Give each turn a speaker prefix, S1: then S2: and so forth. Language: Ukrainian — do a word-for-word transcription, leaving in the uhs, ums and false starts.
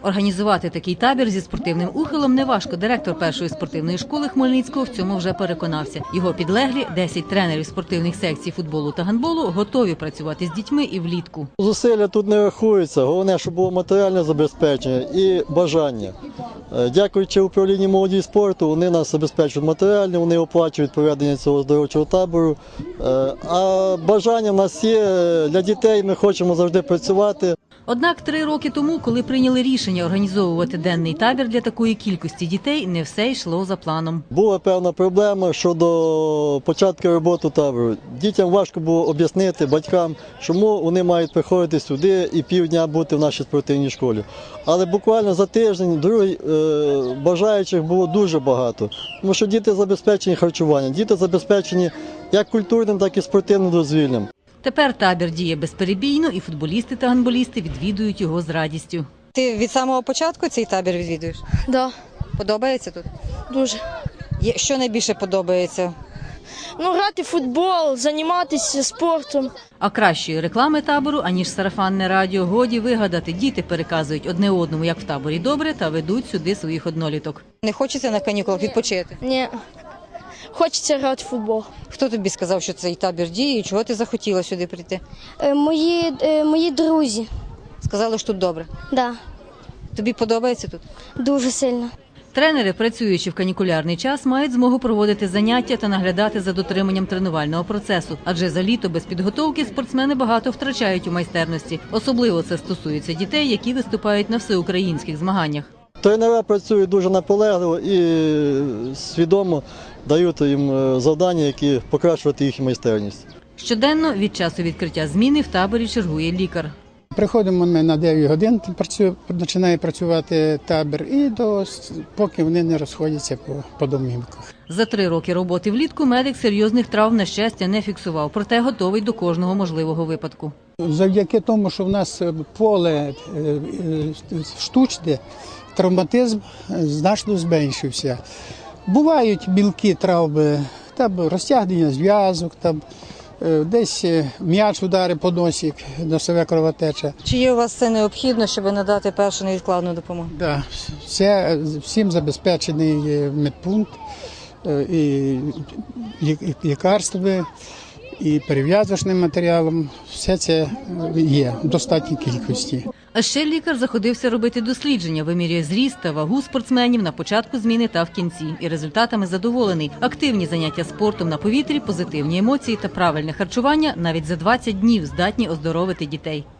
S1: Організувати такий табір зі спортивним ухилом неважко. Директор першої спортивної школи Хмельницького в цьому вже переконався. Його підлеглі, десять тренерів спортивних секцій футболу та гандболу, готові працювати з дітьми і влітку.
S2: Зусилля тут не рахуються. Головне, щоб було матеріальне забезпечення і бажання. Дякуючи управлінню молоді і спорту, вони нас забезпечують матеріально, вони оплачують проведення цього оздоровчого табору. А бажання в нас є для дітей, ми хочемо завжди працювати.
S1: Однак три роки тому, коли прийняли рішення організовувати денний табір для такої кількості дітей, не все йшло за планом.
S2: Була певна проблема щодо початку роботи табору. Дітям важко було об'яснити батькам, чому вони мають приходити сюди і півдня бути в нашій спортивній школі. Але буквально за тиждень другий, е, бажаючих було дуже багато, тому що діти забезпечені харчуванням, діти забезпечені як культурним, так і спортивним дозвіллям.
S1: Тепер табір діє безперебійно, і футболісти та гандболісти відвідують його з радістю.
S3: Ти від самого початку цей табір відвідуєш?
S4: Так, да,
S3: Подобається тут?
S4: дуже.
S3: Що найбільше подобається?
S4: Ну, грати в футбол, займатися спортом.
S1: А кращої реклами табору, аніж сарафанне радіо, годі вигадати. Діти переказують одне одному, як в таборі добре, та ведуть сюди своїх одноліток.
S3: Не хочеться на канікулах відпочити?
S4: Ні, хочеться грати в футбол.
S3: Хто тобі сказав, що цей табір діє і чого ти захотіла сюди прийти?
S4: Е, мої, е, мої друзі,
S3: Сказали, що тут добре.
S4: да,
S3: Тобі подобається тут?
S4: дуже сильно.
S1: Тренери, працюючи в канікулярний час, мають змогу проводити заняття та наглядати за дотриманням тренувального процесу. Адже за літо без підготовки спортсмени багато втрачають у майстерності. Особливо це стосується дітей, які виступають на всеукраїнських змаганнях.
S2: Тренери працюють дуже наполегливо і свідомо дають їм завдання, які покращувати їх майстерність.
S1: Щоденно від часу відкриття зміни в таборі чергує лікар.
S5: Приходимо ми на дев'ять годин, працює, починає працювати табір, і до, поки вони не розходяться по, по домівках.
S1: За три роки роботи влітку медик серйозних травм, на щастя, не фіксував, проте готовий до кожного можливого випадку.
S5: Завдяки тому, що в нас поле штучне, травматизм значно зменшився. Бувають мілкі травми, там розтягнення зв'язок, там десь м'яч удари по носі, носова кровотеча.
S3: Чи є у вас це необхідно, щоб надати першу невідкладну допомогу?
S5: Да, все, всім забезпечений медпункт, і лікарствами, і перев'язочним матеріалом. Все це є в достатній кількості.
S1: А ще лікар заходився робити дослідження, вимірює зріст та вагу спортсменів на початку зміни та в кінці. І результатами задоволений. Активні заняття спортом на повітрі, позитивні емоції та правильне харчування навіть за двадцять днів здатні оздоровити дітей.